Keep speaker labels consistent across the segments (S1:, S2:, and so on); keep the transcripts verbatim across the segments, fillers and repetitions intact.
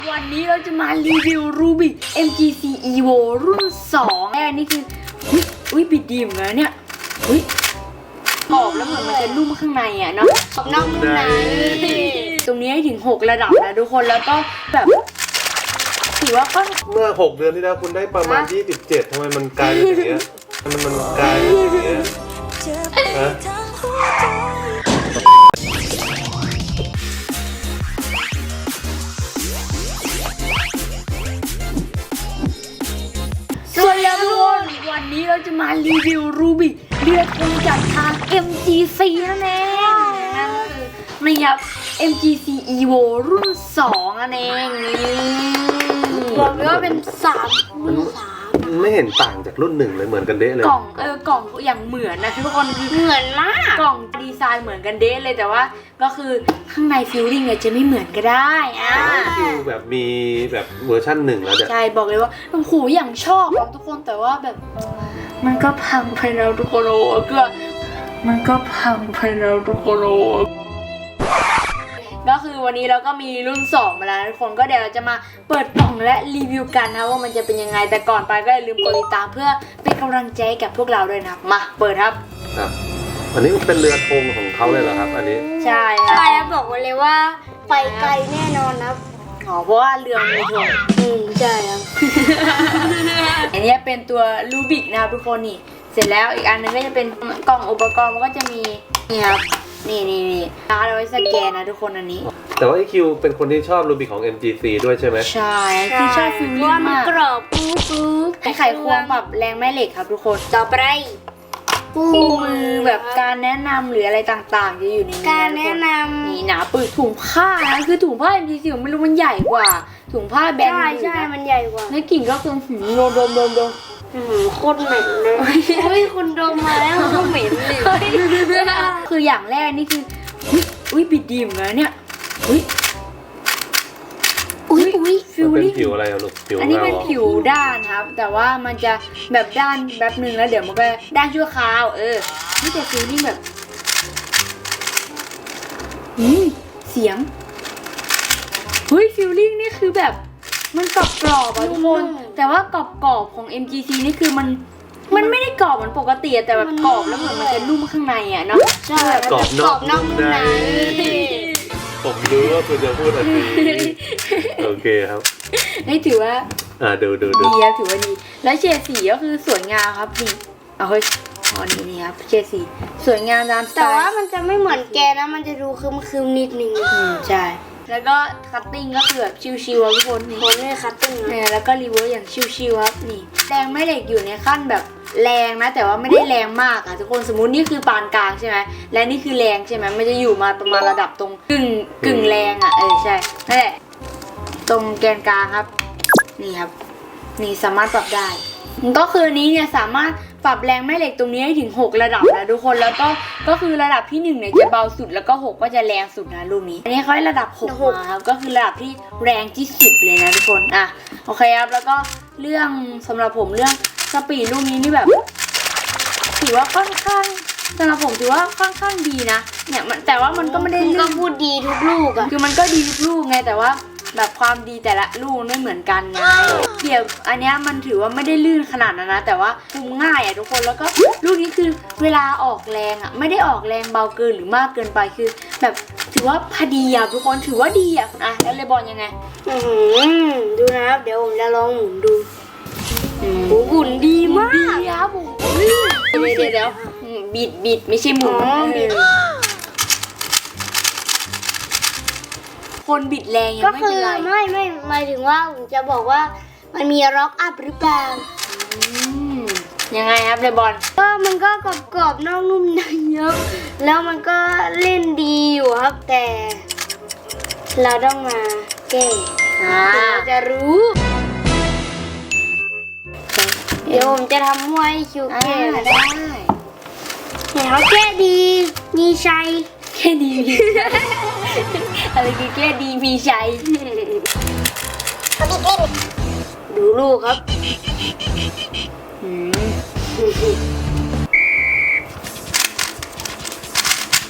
S1: วันนี้เราจะมารีวิว Rubik เอ็ม จี ซี Evo รุ่นสองแรกนี่คืออุ้ยอุ้ยบิดดีเหมือนกันเนี่ยอุ้ยกรอบแล้วเหมือนมันจะนุ่มข้างในอ่ะเนาะกรอบนอกนุ่มในตรงนี้ให้ถึงหกระดับนะทุกคนแล้วก็แบบถือว่าก็
S2: เมื่อหกเดือนที่แล้วคุณได้ประมาณยี่สิบเจ็ดทำไมมันกลายเป็นอย่างเงี้ยมันมันกลายเป็นอย่างเงี้ยฮะ
S1: สวัสดีทุกคนวันนี้เราจะมารีวิว Rubik เลือดคงจากทาง เอ็ม จี ซี นั่นเองนั่นคือนี่ครับ เอ็ม จี ซี Evo รุ่นสองนั่นเองบอกเลยว่าเป็นสามรุ่นสาม
S2: ไม่เห็นต่างจากรุ่นหนึ่งเลยเหมือนกันเด้เลย
S1: กล่องเออกล่องอย่างเหมือนนะทุกคนคือเหมือนมากกล่องดีไซน์เหมือนกันเด้เลยแต่ว่าก็คือข้างในฟิลลิ่งเนี่ยจะไม่เหมือนก็ได้อ่า
S2: คือแบบมีแบบเวอร์ชั่นหนึ่งแล้ว
S1: ใช่บอกเลยว่าโอ้โหอย่างชอบทุกคนแต่ว่าแบบมันก็พังไปแล้วทุกคนโอ้ก็มันก็พังไปแล้วทุกคนโอ้ก็คือวันนี้เราก็มีรุ่นสองมาแล้วทุกคนก็เดี๋ยวเราจะมาเปิดกล่องและรีวิวกันนะว่ามันจะเป็นยังไงแต่ก่อนไปก็อย่าลืมกดติดตามเพื่อเป็นกำลังใจกับพวกเราด้วยนะมาเปิดครับ
S2: ครับอันนี้เป็นเรือธงของเขาเลยเหรอครับอันนี้
S1: ใช่
S3: ใช่ครับบอกไว้เลยว่าไปไกลแน่นอนครับ
S1: อ๋อเพราะว่าเรือมีธง
S3: อืมใช่ครับ
S1: อันนี้เป็นตัวรูบิกนะครับทุกคนนี่เสร็จแล้วอีกอันนึงก็จะเป็นกล่องอุปกรณ์มันก็จะมีนี่ครับนี่นี่นี่การเอาไว้สแกนนะทุกคนอันนี้
S2: แต่ว่าไอคิวเป็นคนที่ชอบรูบิกของ เอ็ม จี ซี ด้วยใช่ไหม
S1: ใช่ที่ชอบฟิลลิ่งมาก
S3: กรอบปุ๊บปุ๊บ
S1: ไอไขควงปรับแรงแม่เหล็กครับทุกคน
S3: ต่อไป
S1: คู่มือแบบการแนะนำหรืออะไรต่างๆจะอยู่ในนี้
S3: การแนะนำ
S1: นี่หนาปึกถุงผ้านะคือถุงผ้า เอ็ม จี ซี ผมไม่รู้มันใหญ่กว่าถุงผ้าแบรนด์อื่นนะ
S3: ใช่มันใหญ่กว่า
S1: แล้วกลิ่นก็คือหืมโดมโดมโดมโดม
S3: โคตรเหม็นเลยเฮ้ยคุณดมมาแล้วก็เหม็นเลย
S1: คืออย่างแรกนี่คืออุ้ยบิดดีเหมือนกันเนี่ยอุ้ยอุ้ยอุ้ยฟิลลิ่ง
S2: ผิวอะไรอะลูกผิว
S1: อันนี้เป็นผิวด้านครับแต่ว่ามันจะแบบด้านแบบนึงแล้วเดี๋ยวมันก็ด้านชั่วคราวเออนี่แต่ฟิลลิ่งแบบอืมเสียงเฮ้ยฟิลลิ่งนี่คือแบบมันกรอบกรอบอะทุกคนแต่ว่ากรอบกรอบของ เอ็ม จี ซี นี่คือมันมันไม่ได้กรอบเหมือนปกติแต่แบบกรอบแล้วเหมือนมันจะนุ่มข้างในอ่ะเนาะ
S3: ใช่
S2: กรอบนอกนุ่มในผมรู้ว่าคุณจะพูดอะไรโอเคครับ
S1: นี่ถือว่า
S2: อ่าดูดูดู
S1: ดีครับถือว่าดีแล้วเฉดสีก็คือสวยงามครับนี่เอาเฮ้ยอ๋อนี่นี่ครับเฉดสีสวยงามตามสไตล์
S3: แต่ว่ามันจะไม่เหมือนแกนะมันจะดูคึมคึมนิดนึง
S1: อืมใช่แล้วก็คัตติ้งก็คือแบบชิวๆทุกคนนี่
S3: คนไม่คัตติ้ง
S1: เนี่ยแล้วก็รีเวิร์สอย่างชิวๆครับนี่แรงไม่เหล็กอยู่ในขั้นแบบแรงนะแต่ว่าไม่ได้แรงมากอ่ะทุกคนสมมุตินี่คือปานกลางใช่ไหมและนี่คือแรงใช่ไหมมันจะอยู่มาประมาณระดับตรงกึ่งกึ่งแรงอ่ะเออใช่นั่นแหละตรงแกนกลางครับนี่ครับนี่สามารถปรับได้ก็คือนี้เนี่ยสามารถปรับแรงแม่เหล็กตรงนี้ให้ถึงหกระดับนะทุกคนแล้วก็ก็คือระดับที่หนึ่งเนี่ยจะเบาสุดแล้วก็หกก็จะแรงสุดนะลูกนี้อันนี้เขาให้ระดับหกมาครับก็คือระดับที่แรงที่สุดเลยนะทุกคนอ่ะโอเคครับแล้วก็เรื่องสำหรับผมเรื่องสปีดลูกนี้นี่แบบถือว่าค่อนข้างสำหรับผมถือว่าค่อนข้างดีนะเนี่ยมันแต่ว่ามันก็ไม่ได้
S3: ก็พูดดีทุกลูกอะ
S1: คือมันก็ดีทุกลูกไงแต่ว่าแบบความดีแต่ละลูกไม่เหมือนกันไงเดี๋ยวอันนี้มันถือว่าไม่ได้ลื่นขนาดนั้นนะแต่ว่าคุมง่ายอ่ะทุกคนแล้วก็ลูกนี้คือเวลาออกแรงอ่ะไม่ได้ออกแรงเบาเกินหรือมากเกินไปคือแบบถือว่าพอดีอ่ะทุกคนถือว่าดีอ่ะอ่ะแล้วเลยบอลยังไง
S3: อืมดูนะครับเดี๋ยวผมจะลองหมุนดูโอ้หุ่นดีมาก
S1: ดีครับผมเดี๋ยวเดี๋ยวเดี๋ยวบิดบิดไม่ใช่หมุนคนบิดแรงยังไม่เป็นไร
S3: ก็คือไม่ไม่หมายถึงว่าผมจะบอกว่ามันมีร็อกอัพหรือเปล่า
S1: ยังไงครับเลยบอล
S3: ก็มันก็กรอบกรอบนอกนุ่มในครับแล้วมันก็เล่นดีอยู่ครับแต่เราต้องมาแก้เราจะรู้เดี๋ยวผมจะทำมวยคิวแก้
S1: ได้
S3: เห็นเขาแก้ดีมีชัย
S1: แค่ดีมีอะไรคือแค่ดีมีชัย
S3: ดูลูกครับ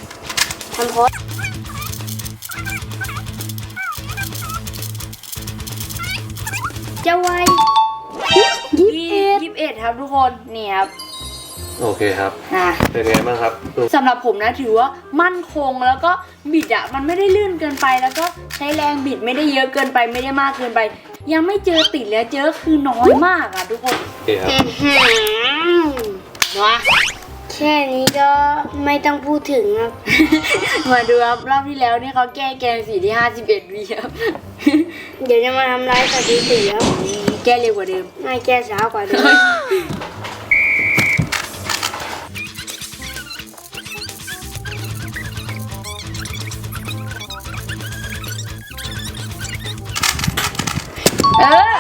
S3: ทำโพสจะไวยี่สิบเอ็ด
S1: ยี่สิบเอ็ดครับทุกคนนี่ครับ
S2: โอเคครับ
S1: อ่ะ
S2: เป็นไงบ้างครับดู
S1: สำหรับผมนะถือว่ามั่นคงแล้วก็บิดอ่ะมันไม่ได้ลื่นเกินไปแล้วก็ใช้แรงบิดไม่ได้เยอะเกินไปไม่ได้มากเกินไป ยังไม่เจอติดเลยเจอคือน้อยมากอ่ะทุกคน
S2: โอเคครับ
S1: นะ
S3: แค่นี้ก็ไม่ต้องพูดถึงครับ
S1: มาดูครับรอบที่แล้วนี่เขาแก้เกมสีที่ห้าสิบเอ็ดวิครับ
S3: เดี๋ยวจะมาทำร้ายสถิติครับ
S1: แก้เร็วกว่าเดิม
S3: ไม่แก้ช้ากว่าเดิม
S1: เออ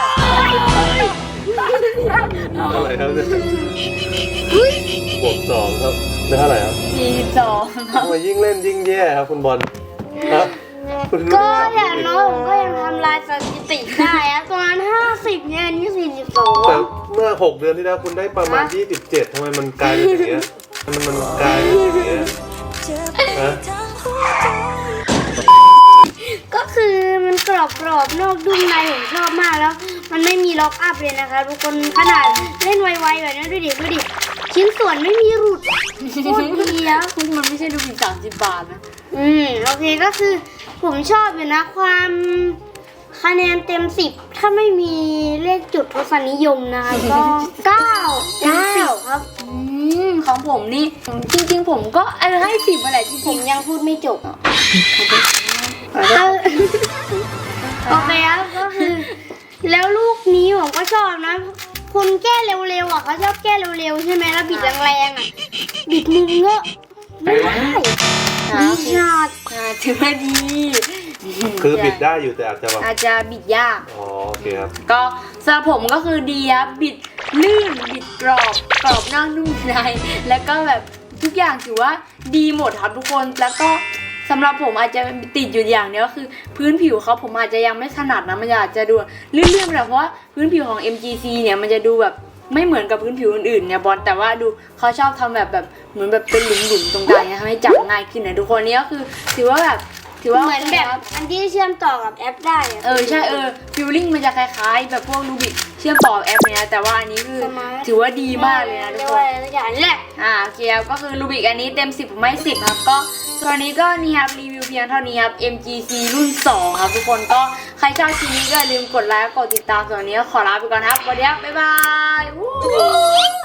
S2: อะไรครับเนี่ยบวกสองครับได้เท่าไหร่ครับ
S1: สี่สิบสองครับ
S2: ทำไมยิ่งเล่นยิ่งแย่ครับคุณบอลครับคุณ
S3: ก็อย่างน้อยผมก็ยังทำลายสถิติได้อะตอนนั้นห้าสิบเนี่ยอันนี้สี่สิบสอง
S2: แต่เมื่อหกเดือนที่แล้วคุณได้ประมาณยี่สิบเจ็ดทำไมมันกลายเป็นอย่างเงี้ยมันมันกลายเป็นอย่างเงี้ยฮะ
S3: ก็คือมันกรอบกรอบๆนอกดุ้มในผมชอบมากแล้ว มันไม่มีล็อกอัพเลยนะคะทุกคนขนาดเล่นไวๆแบบนี้ดูดิดูดิชิ้นส่วนไม่มีหลุดโคตรดีอะ
S1: คุณมันไม่ใช่ดูผิดสามสิบบาทนะ
S3: อืมโอเคก็คือผมชอบอยู่นะความคะแนนเต็มสิบถ้าไม่มีเลขจุดทศนิยมนะคะก็ เก้าเต็มสิบครับ
S1: อืมของผมนี่จริงๆ ผมก็เออให้สิบมาแหละจ
S3: ผ
S1: ริง
S3: มยังพูดไม่จบ
S1: ๆ
S3: เออโอเคครับก็คือ แล้วลูกนี้ผมก็ชอบนะคนแก้เร็วๆอ่ะเขาชอบแก้เร็วๆใช่ไหมแล้วบิดแรงๆอ่ะบิดมือเงอะไม่ได้ดีชาด
S1: อ่าถือว่าดี
S2: คือบิดได้อยู่แต่อาจจะแบบ
S1: อาจจะบิดยาก
S2: อ๋อโอเคครับ
S1: ก็สำหรับผมก็คือดีครับบิดลื่นบิดกรอบกรอบนอกนุ่มในแล้วก็แบบทุกอย่างถือว่าดีหมดครับทุกคนแล้วก็สำหรับผมอาจจะติดอยู่อย่างเดียวก็คือพื้นผิวเขาผมอาจจะยังไม่ถนัดนะมันอาจจะดูลื่นๆแบบเพราะว่าพื้นผิวของ เอ็ม จี ซี เนี่ยมันจะดูแบบไม่เหมือนกับพื้นผิวอื่นๆเนี่ยบอลแต่ว่าดูเขาชอบทำแบบแบบเหมือนแบบเป็นหลุมๆตรงกลางเนี่ยทำให้จับง่ายขึ้นนะทุกคนนี่ก็คือถือว่าแบบถือว่า
S3: เหมือนแบบอันที่เชื่อมต่อกับแอปได้ะ
S1: เออใช่เออฟิลลิ่งมันจะคล้ายๆ แบบพวกรูบิกเชื่อมต่อแอปเนี่ยนะแต่ว่าอันนี้คือถือว่าดีมากเลยนะทุ
S3: เรี
S1: ก
S3: ยก
S1: ค
S3: ว่าน อะไรสักอย่างนี่แหละ
S1: อ่าโอเคครับก็คือรูบิกอันนี้เต็มสิบผมให้สิบครับก็ตัวนี้ก็นี่ครับรีวิวเพียงเท่านี้ครับ เอ็ม จี ซี รุ่นสองครับทุกคนก็ใครชอบคลิปนี้ก็อย่าลืมกดไลค์กดติดตามส่วนวันนี้ก็ขอลาไปก่อนครับสวัสดีครับบ๊ายบายวู้